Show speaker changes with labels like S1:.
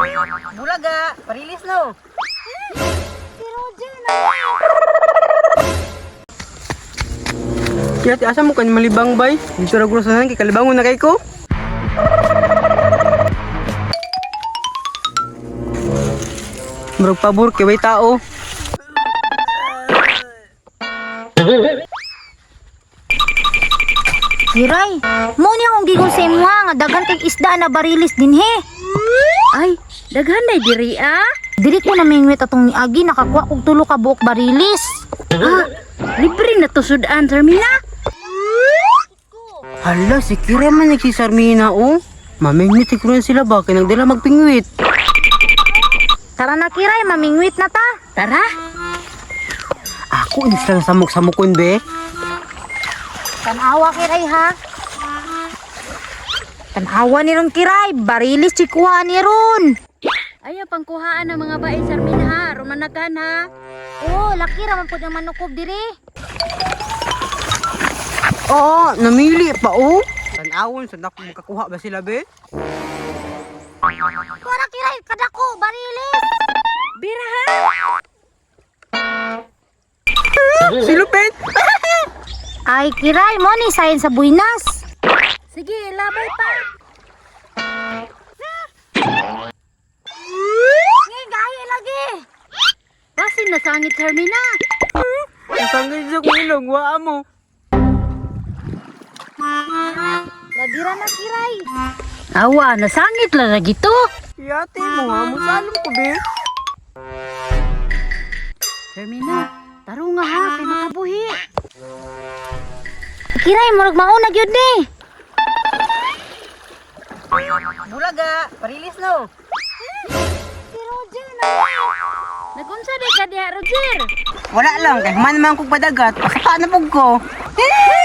S1: Bulaga, parilis no.
S2: Si Roger na.
S1: Kaya asa mo kan malibang bay? Dito ra grosahan kay kalibangon na kay ko. Murag pabor kay way tao.
S2: Kiray, mo ni akong gigon sa imo nga daghan kay isda na barilis dinhi.
S3: Ay, daghan na diri ah.
S2: Dili ko na mingwit atong niagi nakakuha kog tulo ka buok barilis.
S3: Ah, libre na to sudan, Sarmina.
S1: Hala, si Kira man nagsisarmina oh. Mamingwit siguro sila ba kay nagdala magpingwit.
S2: Tara na Kiray, mamingwit na ta.
S3: Tara.
S1: Ako inis lang samok-samokon be.
S2: Tanawa Kiray ha. Tanawa ni ron Kiray, barilis chikuha ni ron.
S3: Ayaw pangkuhaan ng mga bae, Sarmina ha. Rumanagan ha.
S2: Oh, laki ra man pud ang manukob diri.
S1: Oo, namili pa oh. Tanawon sa dako makakuha ba sila be?
S2: Kuha Kiray, kadako barilis.
S3: Bira ha.
S1: Si Lupin.
S2: Ay Kiray, mo ni sayon sa buinas.
S3: Sige, labay pa.
S2: Ngay gahi lagi.
S3: Basin na sangit, Sarmina.
S1: Kasangay sa kong ilong, waa mo.
S2: Lagira na Kiray.
S3: Awa, nasangit lang lagi to.
S1: Yate mo ha, musalong ko be.
S3: Sarmina, taro nga ha, kay makabuhi.
S2: Kiray, murag mauna gyud ni.
S1: Bulaga, parilis no.
S2: Si Roger na.
S3: Nagunsa di ka diha, Roger.
S1: Wala lang, kay man naman kong padagat, pasaka na pug ko.